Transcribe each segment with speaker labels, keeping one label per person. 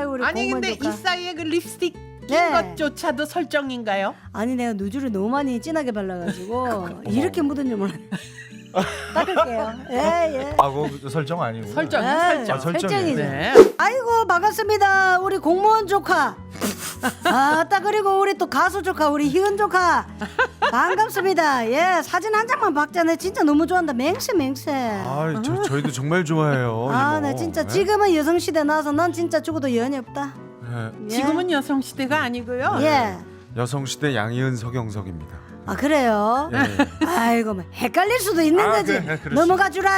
Speaker 1: 우리
Speaker 2: 아니
Speaker 1: 공무원
Speaker 2: 근데
Speaker 1: 조카.
Speaker 2: 이 사이에 그 립스틱 낀
Speaker 1: 네.
Speaker 2: 것조차도 설정인가요?
Speaker 1: 아니 내가 누주를 너무 많이 진하게 발라가지고 이렇게 묻은 줄 몰랐네. 닦을게요. 예.
Speaker 3: 아, 그거 설정 아니고.
Speaker 2: 설정이요,
Speaker 1: 네,
Speaker 2: 설정.
Speaker 3: 아, 설정이에요.
Speaker 1: 설정이죠.
Speaker 2: 네.
Speaker 1: 아이고 반갑습니다. 우리 공무원 조카. 아따 그리고 우리 또 가수 조카 우리 희은 조카 반갑습니다. 예 사진 한 장만 박자네 진짜 너무 좋아한다. 맹세.
Speaker 3: 아, 저희도 정말 좋아해요.
Speaker 1: 아
Speaker 3: 이모.
Speaker 1: 나 진짜
Speaker 3: 네?
Speaker 1: 지금은 여성시대 나와서 난 진짜 죽어도 여한이 없다.
Speaker 3: 네.
Speaker 1: 예.
Speaker 2: 지금은 여성 시대가 아니고요.
Speaker 1: 예.
Speaker 3: 여성시대 양희은 서경석입니다.
Speaker 1: 아 그래요?
Speaker 3: 예.
Speaker 1: 아이고 뭐 헷갈릴 수도 있는
Speaker 3: 아,
Speaker 1: 거지.
Speaker 3: 그래, 그렇지.
Speaker 1: 넘어가 주라.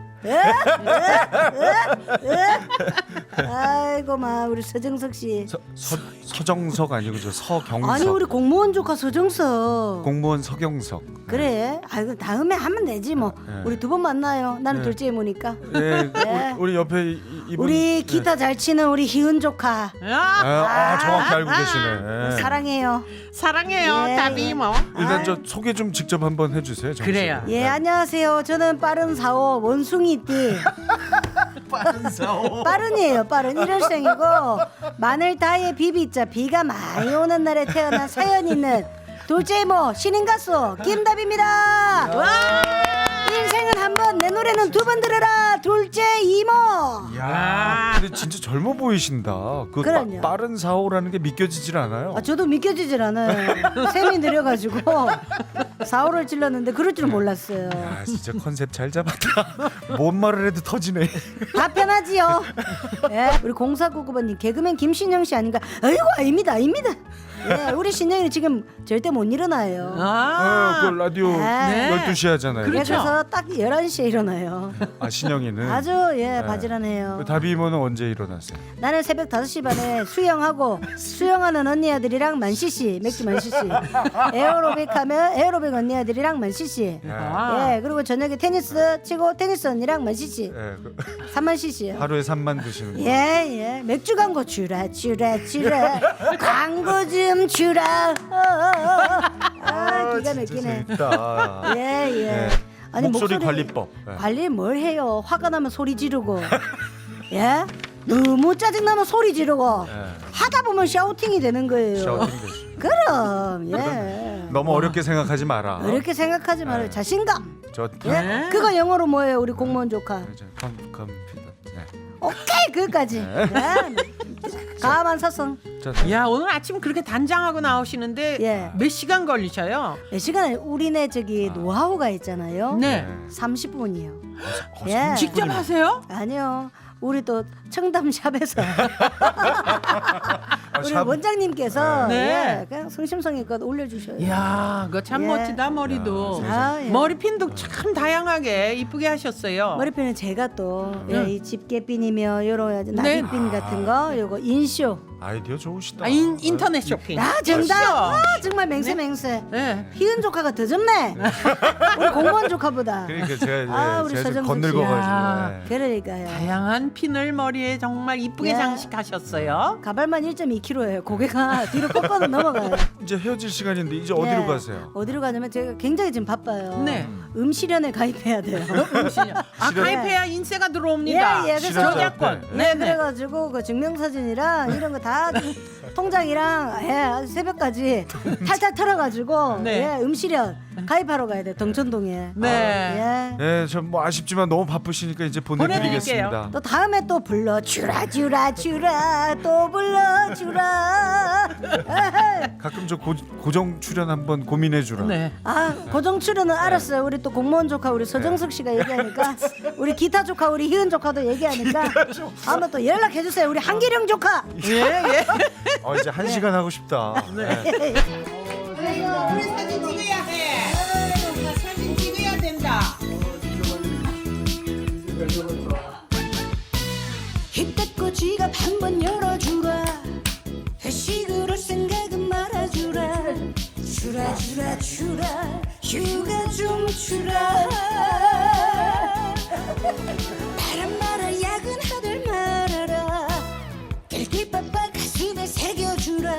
Speaker 1: 아이고 마 우리 서정석 씨.
Speaker 3: 서정석 아니고 저 서경석.
Speaker 1: 아니 우리 공무원 조카 서정석.
Speaker 3: 공무원 서경석.
Speaker 1: 그래. 아이고 다음에 하면 되지 뭐.
Speaker 3: 네.
Speaker 1: 우리 두 번 만나요. 나는
Speaker 3: 네.
Speaker 1: 둘째 이모니까.
Speaker 3: 예,
Speaker 1: 네.
Speaker 3: 우리 옆에 이분.
Speaker 1: 우리 기타 잘 치는 우리 희은 조카.
Speaker 3: 정확히 알고 계시네. 예.
Speaker 1: 사랑해요.
Speaker 2: 사랑해요,
Speaker 1: 예,
Speaker 2: 다비
Speaker 1: 예.
Speaker 2: 이모.
Speaker 3: 일단 저 소개 좀 직접 한번 해주세요. 정씨.
Speaker 2: 그래요.
Speaker 1: 예 안녕하세요. 저는 빠른 사오 원숭이띠. 빠른이에요. 빠른 일월생이고 마늘 다이에 비비자 비가 많이 오는 날에 태어난 사연 있는 둘째 이모 신인 가수 김답입니다. 인생은 한 번 내 노래는 두 번 들으라 둘째 이모.
Speaker 3: 야, 근데 진짜 젊어 보이신다. 그
Speaker 1: 그럼요.
Speaker 3: 빠른 사고라는 게 믿겨지질 않아요.
Speaker 1: 아, 저도 믿겨지질 않아요. 셈이 느려가지고 사오를 찔렀는데 그럴 줄 몰랐어요.
Speaker 3: 야, 진짜 컨셉 잘 잡았다. 뭔 말을 해도 터지네.
Speaker 1: 다 편하지요. 예, 우리 0499번님 개그맨 김신영 씨 아닌가? 아이고 아닙니다. 예, 우리 신영이는 지금 절대 못 일어나요.
Speaker 3: 그 라디오
Speaker 1: 네.
Speaker 3: 12시 하잖아요.
Speaker 2: 그렇죠.
Speaker 1: 그래서 딱 11시에 일어나요.
Speaker 3: 아, 신영이는.
Speaker 1: 아주 바지런해요.
Speaker 3: 그 다비 이모는 언제 일어났어요?
Speaker 1: 나는 새벽 5시 반에 수영하고 수영하는 언니 아들이랑 만CC 맥주 만CC 에어로빅 하면 에어로빅 언니 아들이랑 만CC 예 그리고 저녁에 테니스 치고 테니스 언니랑 만CC
Speaker 3: 예,
Speaker 1: 3만CC요.
Speaker 3: 하루에 3만 드시는 거.
Speaker 1: 예 맥주 광고 주라 광고 좀 주라 기가 막히네.
Speaker 3: 재밌다.
Speaker 1: 예.
Speaker 3: 네. 목소리 관리법. 네.
Speaker 1: 관리 뭘 해요? 화가 나면 소리 지르고 예? 너무 짜증나면 소리 지르고
Speaker 3: 예.
Speaker 1: 하다 보면 샤우팅이 되는 거예요.
Speaker 3: 샤우팅 되시.
Speaker 1: 그럼 예.
Speaker 3: 너무 어렵게 생각하지 마라.
Speaker 1: 이렇게 생각하지 말아요.
Speaker 3: 네.
Speaker 1: 자신감.
Speaker 3: 저
Speaker 1: 예? 그거 영어로 뭐예요? 우리 공무원 조카.
Speaker 3: 컴퓨터. 네.
Speaker 1: 오케이 그거까지. 예. 가만 사성.
Speaker 2: 야 오늘 아침 그렇게 단장하고 나오시는데
Speaker 1: 예.
Speaker 2: 몇 시간 걸리셔요?
Speaker 1: 몇 시간에 우리네 저기 노하우가 있잖아요.
Speaker 2: 네.
Speaker 1: 30분이요.
Speaker 3: 예.
Speaker 2: 직접 하세요?
Speaker 1: 아니요. 우리 또 청담샵에서 우리
Speaker 3: 샵.
Speaker 1: 원장님께서
Speaker 2: 네.
Speaker 1: 예, 그냥 성심성의껏 올려주셔요.
Speaker 2: 이야, 그거 참
Speaker 1: 예.
Speaker 2: 멋지다 머리도.
Speaker 1: 아, 예.
Speaker 2: 머리핀도 참 다양하게 이쁘게 하셨어요.
Speaker 1: 머리핀은 제가 또 이 집게핀이며 요런 나비핀 같은 거 요거 인쇼.
Speaker 3: 아이디어 좋으시다.
Speaker 2: 인터넷 쇼핑.
Speaker 1: 아 정답.
Speaker 2: 멋있어.
Speaker 1: 아, 정말 맹세.
Speaker 2: 네.
Speaker 1: 희은 조카가 더 젊네. 우리 공무원 조카보다.
Speaker 3: 그러니까 제가
Speaker 1: 아, 우리
Speaker 3: 제가 좀
Speaker 1: 서정석 씨.
Speaker 3: 건늙어가지고.
Speaker 2: 야.
Speaker 3: 예.
Speaker 1: 그러니까요.
Speaker 2: 다양한 핀을 머리에 정말 이쁘게
Speaker 1: 예.
Speaker 2: 장식하셨어요.
Speaker 1: 가발만 1.2kg예요. 고개가 뒤로 꺾어도 넘어가요.
Speaker 3: 이제 헤어질 시간인데 이제 어디로
Speaker 1: 예.
Speaker 3: 가세요?
Speaker 1: 어디로 가냐면 제가 굉장히 지금 바빠요.
Speaker 2: 네.
Speaker 1: 음실현에 가입해야 돼요.
Speaker 2: 아 가입해야 인세가 들어옵니다.
Speaker 1: 예, 그래서
Speaker 2: 저작권.
Speaker 1: 네, 그래가지고 그 증명사진이랑 이런 거 다 통장이랑 아주 새벽까지 탈탈 털어가지고
Speaker 2: 네.
Speaker 1: 음실현 가입하러 가야 돼 동천동에.
Speaker 2: 네.
Speaker 1: 예.
Speaker 3: 전 뭐 아쉽지만 너무 바쁘시니까 이제 보내드리겠습니다.
Speaker 1: 또 다음에 또 불러주라 또 불러주라.
Speaker 3: 가끔 저 고정 출연 한번 고민해주라.
Speaker 2: 네.
Speaker 1: 아 고정 출연은 알았어요. 우리 또 공무원 조카 우리 서정석 씨가 얘기하니까 우리 기타 조카 우리 희은 조카도 얘기하니까 한번 또 연락해 주세요. 우리 한기령 조카.
Speaker 2: 예.
Speaker 3: 이제 1시간 하고 싶다. 네.
Speaker 2: 우리 사진 찍어야 해. 사진 찍어야 된다.
Speaker 1: 힘껏 지갑 한번 열어주라. 회식으로 생각은 말아주라. 주라 휴가 좀 주라. 바람 말아 야근하들 말아라. 길길빠빠 가슴에 새겨주라.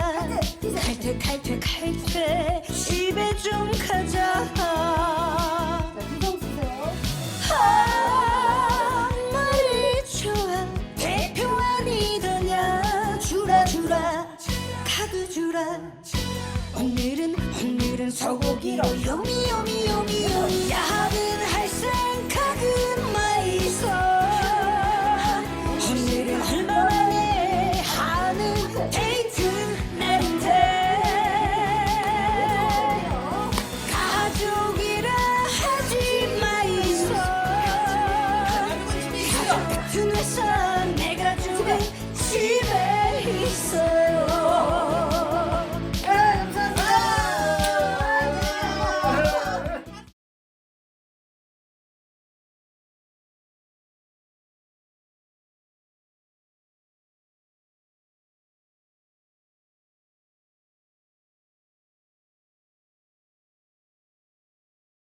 Speaker 1: 칼퇴 집에 좀 가자. 말이 좋아 대표 아니더냐. 하도 주라 오늘은 소고기로 요미 야는 할 생각은 마이소